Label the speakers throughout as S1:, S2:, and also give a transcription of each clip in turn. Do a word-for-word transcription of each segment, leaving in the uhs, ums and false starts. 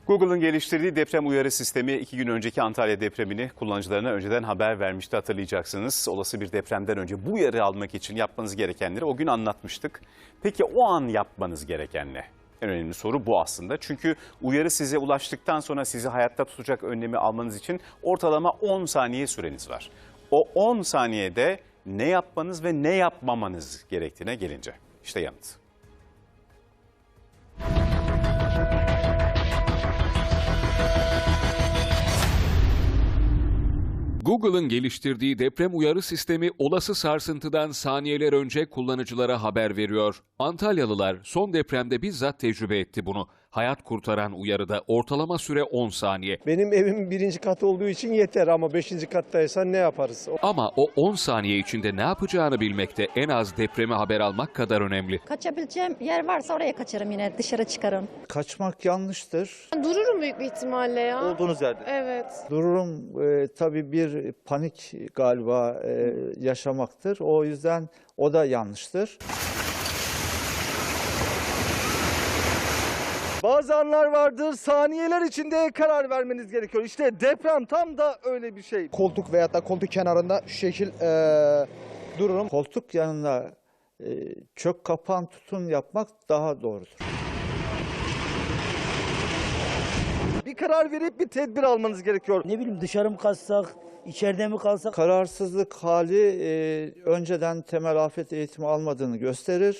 S1: Google'ın geliştirdiği deprem uyarı sistemi iki gün önceki Antalya depremini kullanıcılarına önceden haber vermişti, hatırlayacaksınız. Olası bir depremden önce bu uyarı almak için yapmanız gerekenleri o gün anlatmıştık. Peki o an yapmanız gereken ne? En önemli soru bu aslında. Çünkü uyarı size ulaştıktan sonra sizi hayatta tutacak önlemi almanız için ortalama on saniye süreniz var. O on saniyede ne yapmanız ve ne yapmamanız gerektiğine gelince işte yanıt.
S2: Google'ın geliştirdiği deprem uyarı sistemi olası sarsıntıdan saniyeler önce kullanıcılara haber veriyor. Antalyalılar son depremde bizzat tecrübe etti bunu. Hayat kurtaran uyarıda ortalama süre on saniye.
S3: Benim evim birinci kat olduğu için yeter ama beşinci kattaysan ne yaparız?
S2: Ama o on saniye içinde ne yapacağını bilmek de en az depreme haber almak kadar önemli.
S4: Kaçabileceğim yer varsa oraya kaçarım, yine dışarı çıkarım.
S5: Kaçmak yanlıştır.
S6: Dururum büyük bir ihtimalle ya.
S7: Olduğunuz yerde.
S6: Evet.
S5: Dururum e, tabii bir panik galiba e, yaşamaktır. O yüzden o da yanlıştır.
S7: Bazı anlar vardır, saniyeler içinde karar vermeniz gerekiyor. İşte deprem tam da öyle bir şey.
S3: Koltuk veya da koltuk kenarında şu şekil e, dururum.
S5: Koltuk yanına e, çök kapan tutun yapmak daha doğrudur.
S7: Bir karar verip bir tedbir almanız gerekiyor.
S8: Ne bileyim, dışarı mı kalsak, içeride mi kalsak?
S5: Kararsızlık hali e, önceden temel afet eğitimi almadığını gösterir.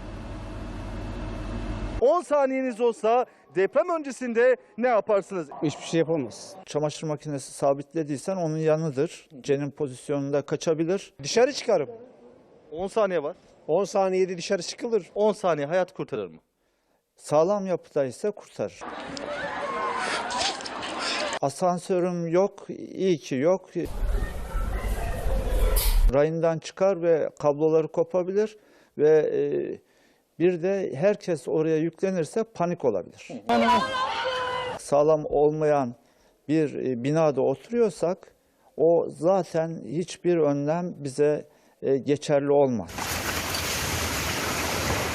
S7: on saniyeniz olsa deprem öncesinde ne yaparsınız?
S3: Hiçbir şey yapamaz.
S5: Çamaşır makinesi sabitlediysen onun yanıdır. Cenin pozisyonunda kaçabilir.
S3: Dışarı çıkarım.
S7: on saniye var.
S3: on saniyede dışarı çıkılır.
S7: on saniye hayat kurtarır mı?
S5: Sağlam yapıdaysa kurtarır. Asansörüm yok, iyi ki yok. Rayından çıkar ve kabloları kopabilir ve e, bir de herkes oraya yüklenirse panik olabilir. Sağlam olmayan bir e, binada oturuyorsak o zaten hiçbir önlem bize e, geçerli olmaz.